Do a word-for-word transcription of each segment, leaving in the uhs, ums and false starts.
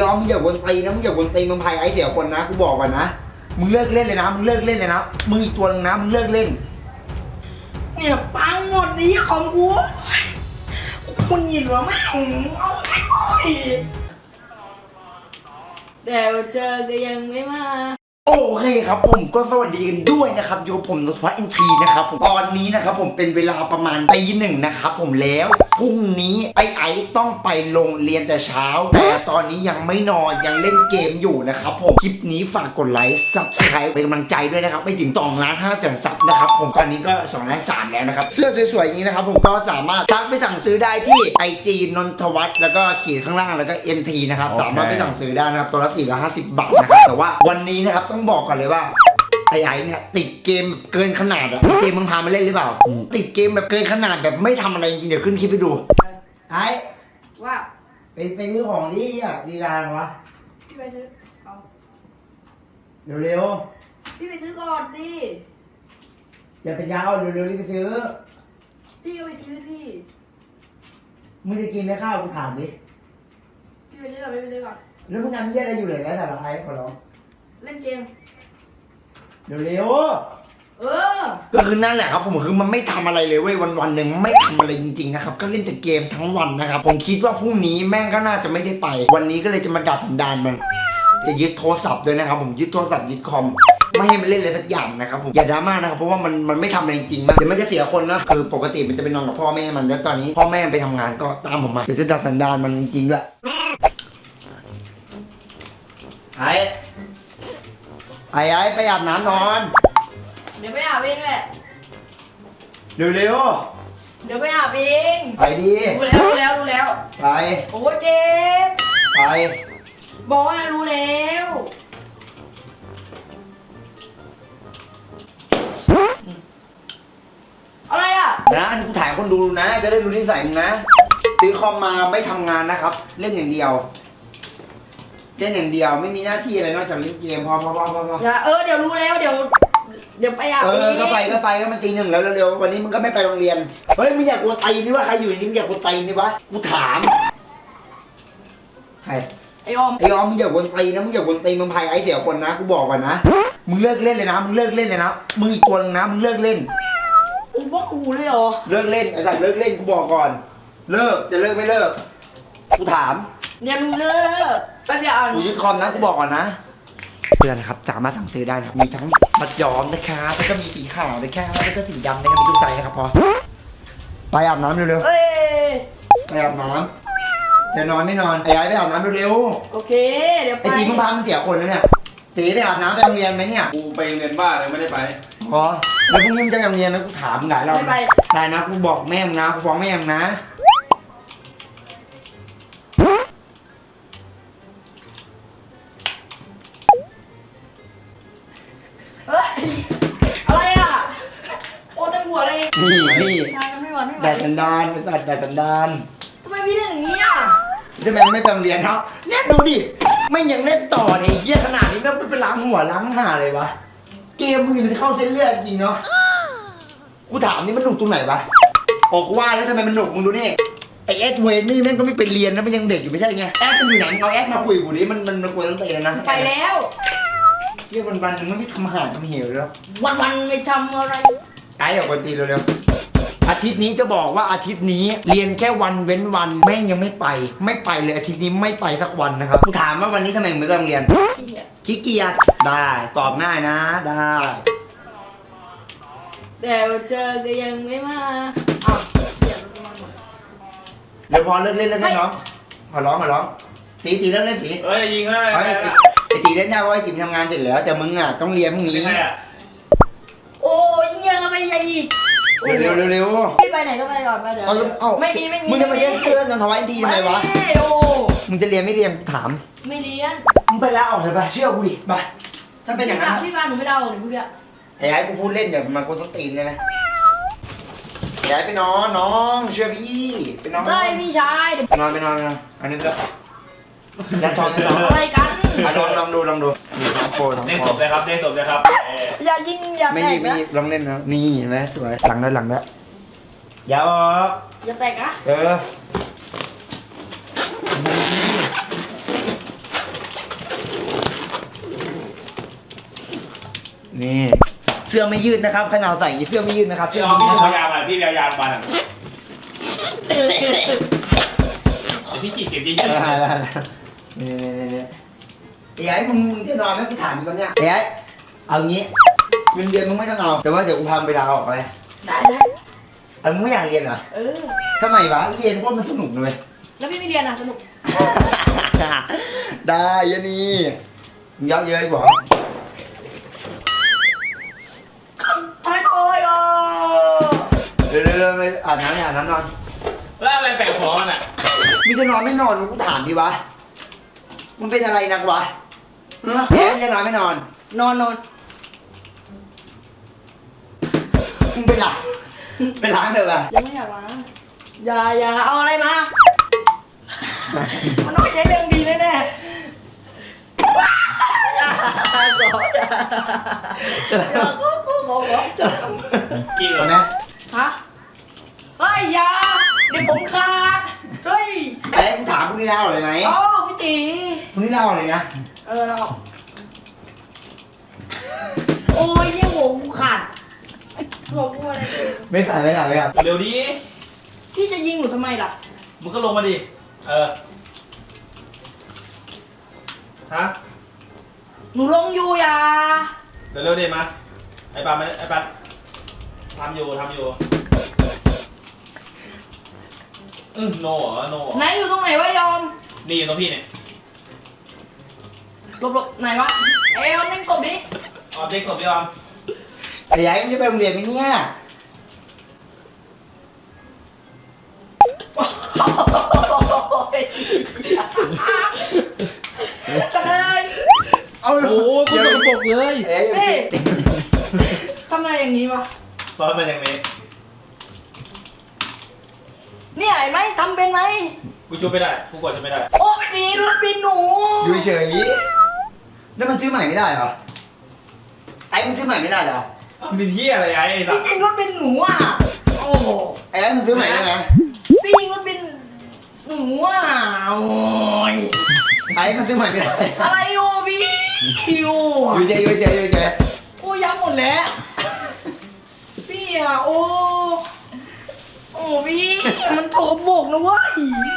อมมึงอย่าวนตีนะมึงอย่าวนตีมึงพายไอ้เสียคนนะกูบอกก่อนนะมึงเลิกเล่นเลยนะมึงเลิกเล่นเลยนะมึงอีกตัวนึงนะมึงเลิกเล่นเนี่ยปังหมดนี้ของกูคุณยินว่าแม่งเอาไอ้แต่เจอก็ยังไม่มาโอเคครับผมก็สวัสดีกันด้วยนะครับอยู่กับผมนวัฒน์อินทรีนะครับผมตอนนี้นะครับผมเป็นเวลาประมาณตีหนึ่งนะครับผมแล้วพรุ่งนี้ไอ้ไอ้ต้องไปโรงเรียนแต่เช้าแต่ตอนนี้ยังไม่นอนยังเล่นเกมอยู่นะครับผมคลิปนี้ฝากกดไลค์ซับสไครป์เป็นกำลังใจด้วยนะครับไปถึงสองล้านห้าแสนซับนะครับผมตอนนี้ก็สองล้านสามแล้วนะครับเสื้อสวยๆอย่างนี้นะครับผมก็สามารถทักไปสั่งซื้อได้ที่ ไอ จี นนทวัฒน์แล้วก็ขีดข้างล่างแล้วก็ เอ็น ที นะครับ okay. สามารถไปสั่งซื้อได้นะครับตัวละสี่ร้อยห้าสิบบาทนะครับแต่ว่าวันนี้นะครับต้องบอกก่อนเลยว่าไอ้ไอ้เนี่ยติดเกมเกินขนาดอะไอ้เกมมึงพามาเล่นหรือเปล่าติดเกมแบบเกินขนาดแบบไม่ทำอะไรจริงๆเดี๋ยวขึ้นคลิปไปดูไอ้ว่าเป็นเป็นมือของที่อ่ะดีลานวะพี่ไปซื้อเอาเร็วๆพี่ไปซื้อก่อนสิอย่าเป็นยาวเร็วๆรีบไปซื้อพี่ก็ไปซื้อที่มึงจะกินไหมข้าวกูถามดิพี่ไปซื้อก่อนพี่ไปซื้อก่อนแล้วมึงทำเยี่ยอะไรอยู่เลยแล้วแต่ละไอ้ขอร้องเล่นเกมเร็วเออก็คือนั่นแหละครับผมคือมันไม่ทำอะไรเลยเว้ยวันวันหนึ่งไม่ทำอะไรจริงๆนะครับก็เล่นแต่เกมทั้งวันนะครับผมคิดว่าพรุ่งนี้แม่งก็น่าจะไม่ได้ไปวันนี้ก็เลยจะมาดัดสันดานมันจะยึดโทรศัพท์ด้วยนะครับผมยึดโทรศัพท์ยึดคอมไม่ให้มันเล่นอะไรสักอย่างนะครับผมอย่าดราม่านะครับเพราะว่ามันมันไม่ทำอะไรจริงๆมันเดี๋ยวมันจะเสียคนนะคือปกติมันจะไปนอนกับพ่อแม่มันแล้วตอนนี้พ่อแม่ไปทำงานก็ตามผมมาเดี๋ยวจะดัดสันดานมันจริงๆด้วยไอ้ไอ้ไอ้ไปอาบน้ำนอนเดี๋ยวไปอาบเองแหละเร็วเร็วเดี๋ยวไปอาบเองไปดิรู้แล้วรู้แล้วรู้แล้วไปโอ้เจ็บไปบอกว่ารู้แล้วอะไรอ่ะนะอันนี้กูถ่ายคนดูนะจะได้รู้นิสัยมึงนะซื้อคอมมาไม่ทำงานนะครับเล่นอย่างเดียวเล่นอย่างเดียวไม่มีหน้าที่อะไรนอกจากเล่นเกมพอพอพอพอพอเออเดี๋ยวรู้แล้วเดี๋ยวเดี๋ยวไปอาบเออก็ไปก็ไปก็มันตีหนึ่งแล้วเร็วๆวันนี้มึงก็ไม่ไปโรงเรียนเฮ้ยมึงอยากกูตีนี่วะใครอยู่นี่มึงอยากกูตีนี่วะกูถามใครไอออมไอออมมึงอย่าวนตีนะมึงอย่าวนตีมึงพายไอ้เสียคนนะกูบอกก่อนนะมึงเลิกเล่นเลยนะมึงเลิกเล่นเลยนะมึงอีกตัวนึงนะมึงเลิกเล่นกูบอกกูเลยเหรอเลิกเล่นไอ้สัตว์เลิกเล่นกูบอกก่อนเลิกจะเลิกไม่เลิกกูถามเนี่ยมึงเลิกไปเดี๋ยวกูยึดคอมนะกูบอกก่อนนะเพื่อนนะครับสามารถสั่งซื้อได้นะครับมีทั้งมัดย้อมนะครับแล้วก็มีสีขาวนะครับแล้วก็สีดำนะครับมีทุกไซส์นะครับพอไปอาบน้ำเร็วๆไปอาบน้ำจะนอนไม่นอนไอ้ไอ้ไปอาบน้ำเร็วๆโอเคเดี๋ยวไปไอ้จีมึงพามันเสียคนแล้วเนี่ยตีไปอาบน้ำไปโรงเรียนไหมเนี่ยกูไปโรงเรียนบ้าเลยไม่ได้ไปอ๋อแล้วพรุ่งนี้มึงจะไปโรงเรียนนะกูถามมึงไงเราไม่ไปได้นะกูบอกแม่มึงนะกูฟ้องแม่มึงนะอะไรอ่ะโอ้เต็มหัวเลยนี่นี่แดดสันดานไอ้สัตว์แดดสันดานทำไมพี่เล่นอย่างนี้อ่ะทำไมไม่ไปโรงเรียนเขาเนี่ยดูดิไม่ยังเล่นต่อเนี่ยเยี่ยขนาดนี้แล้วไปล้างหัวล้างหาเลยวะเกมมึงมันเข้าเส้นเลือดจริงเนาะกูถามนี่มันหนุกตรงไหนวะออกว่าแล้วทำไมมันหนุกมึงดูนี่ไอเอสเวนนี่แม่งก็ไม่ไปเรียนนะมันยังเด็กอยู่ไม่ใช่ไงแอสมันอยู่ไหนเอาแอสมาคุยกูดิมันมันมันควรตั้งแต่แล้วนะไปแล้วเที่ยวันวันนึงมันไม่ทำอาหารทำเหวเลยวันวันไม่ทำอะไรไอ้ออกวันตีเร็วๆอาทิตย์นี้จะบอกว่าอาทิตย์นี้เรียนแค่วันเว้นวันแม่งยังไม่ไปไม่ไปเลยอาทิตย์นี้ไม่ไปสักวันนะครับกูถามว่าวันนี้ทำไมมึงไม่ไปโรงเรียนขี้เกียจได้ตอบง่ายนะได้แต่เจอก็ยังไม่มาอ้าวเดี๋ยวพอเลิกเล่นแล้วนะน้องขอร้องขอร้องตีตีเลิกเล่นตีเฮ้ยยิงให้ไอ้ตีเล่นได้เพราะไอ้จิ๋มทำงานเสร็จแล้วแต่มึงอ่ะต้องเรียนพรุ่งนี้โอ้ยยังไม่ใหญ่อีกเร็วเร็วเร็วพี่ไปไหนก็ไปก่อนไปเดี๋ยวไม่มีไม่มีมึงจะมาเล่นเสื้อนนทวัฒน์ทีทำไมวะโอ้มึงจะเรียนไม่เรียนถามไม่เรียนมึงไปแล้วออกเลยไปเชื่อกูดิไปถ้าเป็นอย่างนั้นพี่พาหนูไม่เอาเดี๋ยวพูดอะไอ้ไอ้กูพูดเล่นอย่างมันกูต้องตีนเลยไหมไอ้ไปนอนน้องเชื่อพี่ไปนอนได้พี่ชายนอนไปนอนไปนอนอันนี้ไปแล้วยันทองยันทองอะไรกันลองลองดูลองดูนี่น้องโฟน้องโฟเล่นจบเลยครับเล่นจบเลยครับอย่ายิงอย่าไม่ยิงไม่ยิงลองเล่นนะนี่เห็นไหมสวยหลังได้หลังได้อย่าออกอย่าแตกอะเออนี่เสื้อไม่ยืดนะครับขนาดใส่เสื้อไม่ยืดนะครับพี่เสื้อเอาไม่พี่ยืดเอานะครับยามาพี่เอายามาอ่ะเดี๋ยวพี่จีบเก็บเยเอออะได้ได้นี่นี่นี่ไอ้ไอ้มึงมึงจะนอนไหมกูถามมึงก่อนเนี่ยไอ้ไอ้เอางี้เงินเดือนมึงไม่ต้องเอาแต่ว่าเดี๋ยวกูพาไปลาออกไปได้ได้เออมึงไม่อยากเรียนเหรอเออทำไมวะเรียนเพราะมันสนุกเลยแล้วพี่ไม่เรียนอ่ะสนุกได้ยะนี่มึงเยอะเย้ยบอกทำไมโอยอ่ะเร็วเร็วไปอาบน้ำเนี่ยอาบน้ำนอนแล้วอะไรแปลกหัวมันอ่ะมึงจะนอนไม่นอนกูถามดิวะมึงเป็นอะไรนักวะเออแกมึงจะนอนไม่นอนนอนนอนมึงไปล้างไปล้างเถอะวะยังไม่อยากล้างอย่าอย่าเอาอะไรมา มันต้องใช้เรื่องดีแน่แน่ๆว้าอย่าขออย่าอย่าก็ก็ขอขอจะกี่เอาเหไหมฮะเฮ้ยอย่าเดี๋ยวผมขาดเฮ้ยไอ้มึงถามพรุ่งนี้เล่าเลยไหมอ๋อพี่ตีพรุ่งนี้เล่าเลยนะเออเราโอ้ยยี่หัวกูขาดหัวกูอะไรเองไม่ใส่ไม่ใส่ไม่ใส่เร็วดีพี่จะยิงหนูทำไมล่ะมึงก็ลงมาดิเออฮะหนูลงอยู่อย่าเดี๋ยวเร็วดิมาไอ้ปานไอ้ปานทำอยู่ทำอยู่อืมโนเหรอโนเหรอไหนอยู่ตรงไหนวะยอมนี่อยู่ตรงพี่เนี่ยหลบหลบไหนวะเอ้ยมันเล่นกบดิออบเจกต์ศพพี่ออมไอ้ยัยมึงจะไปโรงเรียนไหมเนี่ยจะเลยเอาโอ้ยคุณกระปกเลยเอ้ยเฮ้ยทำไมอย่างนี้วะตอนเป็นอย่างนี้เนี่ยไอ้ไหมทำเป็นไหมกูช่วยไม่ได้กูกดช่วยไม่ได้โอ้ไม่ดีรถบินหนูอยู่เฉยๆแล้วมันซื้อใหม่ไม่ได้เหรอไอ้มันซื้อใหม่ไม่ได้เหรอมันเป็นเหี้ยอะไรไอ้ไอ้สัพี่สยิงรถบินหนูอ่ะโอ้โหไอ้มันซื้อใหม่ได้ไหมพี่ยิงรถบินหนูอ่ะโอ้ยไอ้มันซื้อใหม่ไม่ได้อะไรโอ้พี่โอ้อยู่เฉยอยู่เฉยอยู่เฉยโอ้ยับหมดแล้ว พี่อ่ะโอ้โอ้พี่มันโถบกนะเว้ย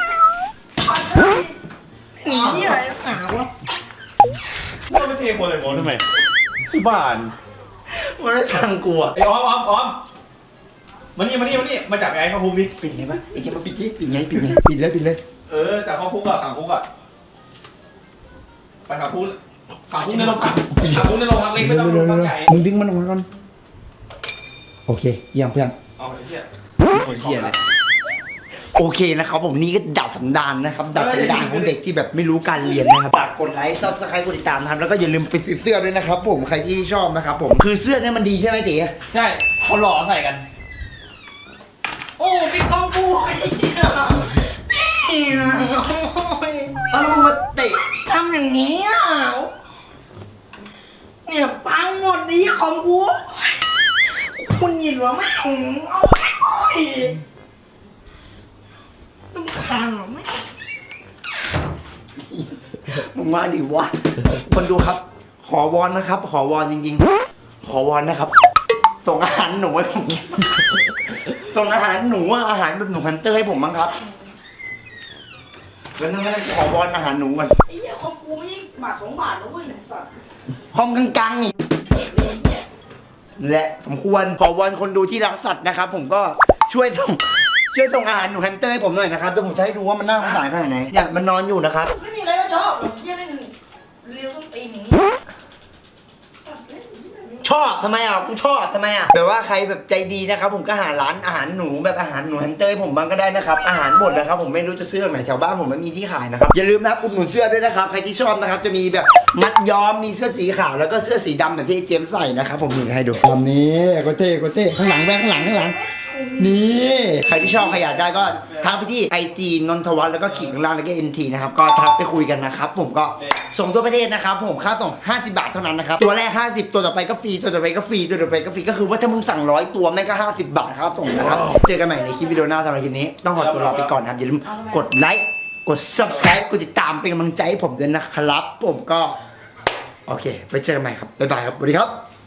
หนีที่ไหนหาวะก็ไม่เทโพเลยโง่ทำไมที่บ้านมันไม่ฟังกูอ่ะไอ้ออมออมออมมานี่มานี่มานี่มาจับไอ้เข้าคุกดิปิดไงปะไอ้เจ้ามาปิดที่ปิดไงปิดไงปิดเลยปิดเลยเออจับเข้าคุกอ่ะขังคุกอ่ะไปขังคุกขังคุกในโรงขังคุกในโรงพักเล็กไม่ต้องโรงพักใหญ่มึงดึงมันออกมาก่อนโอเคเยี่ยมเพื่อนเอาไอ้เหี้ยคนเที่ยเลยโอเคนะครับผมนี่ก็ดับสันดานนะครับดับสันดานของเด็กที่แบบไม่รู้การเรียนนะครับฝากกดไลค์ซับสไครต์กดติดตามนะครับแล้วก็อย่าลืมไปซื้อเสื้อด้วยนะครับผมใครที่ชอบนะครับผมคือเสื้อเนี่ยมันดีใช่ไหมตีใช่เขาหล่อใส่กันโอ้พี่กองกูพี่อ่ะโอ้ยเอาแล้วมึงมาเตะทำอย่างนี้อ่ะเนี่ยปังหมดนี้ของกูคุณหยินวะแม่งเอาไอ้โอ้ยต้องคานเหรอแม่มึงว่าดิวะคนดูครับ ขอวอนนะครับ ขอวอนจริงๆ ขอวอนนะครับ ส่งอาหารหนูให้ผมกินส่งอาหารหนูอะอาหารแบบหนูฮันเตอร์ให้ผมบ้างครับแล้วนึงไม่ได้ขอวอนอาหารหนูก่อนไอ้เหี้ยของกูไม่ใช่บาทสองบาทนะเว้ยไอ้สัตว์ห้องกลางๆนี่และสมควรขอวอนคนดูที่รักสัตว์นะครับ ผมก็ช่วยส่งช่วยส่งอาหารหนูแฮมสเตอร์ให้ผมหน่อยนะครับเดี๋ยวผมจะให้ดูว่ามันน่าสงสารขนาดไหนเนี่ยมันนอนอยู่นะครับไม่มีอะไรก็ชอบหรอกเหี้ยเล่นเรียวส้นตีนอย่างนี้ชอบทำไมอ่ะกูชอบทำไมอ่ะแบบว่าใครแบบใจดีนะครับผมก็หาร้านอาหารหนูแบบอาหารหนูแฮมสเตอร์ให้ผมบ้างก็ได้นะครับอาหารหมดนะครับผมไม่รู้จะซื้อตรงไหนแถวบ้านผมไม่มีที่ขายนะครับอย่าลืมนะครับอุดหนุนเสื้อด้วยนะครับใครที่ชอบนะครับจะมีแบบมัดย้อมมีเสื้อสีขาวแล้วก็เสื้อสีดำแบบที่ไอ้เจมส์ใส่นะครับผมนี่ให้ดูทำนี้โกเต้โกเต้ข้างหลังแบงข้างหลังข้างหลังนี่ใครที่ชอบใครอยากได้ก็ทักไปที่ไอจีนนทวัฒน์แล้วก็ขีดข้างล่างแล้วก็เอ็นทีนะครับก็ทักไปคุยกันนะครับผมก็ส่งทั่วประเทศนะครับผมค่าส่งห้าสิบบาทเท่านั้นนะครับตัวแรกห้าสิบตัวต่อไปก็ฟรีตัวต่อไปก็ฟรีตัวต่อไปก็ฟรีก็คือว่าถ้ามึงสั่งร้อยตัวแม่งก็ห้าสิบบาทครับส่งนะครับเจอกันใหม่ในคลิปวิดีโอหน้าสำหรับคลิปนี้ต้องขอตัวลาไปก่อนนะครับอย่าลืมกดไลค์กด ซับสไครบ์ กดติดตามเป็นกำลังใจให้ผมด้วยนะครับผมก็โอเคไปเจอกันใหม่ครับบ๊ายบายครับสวัสดีครับ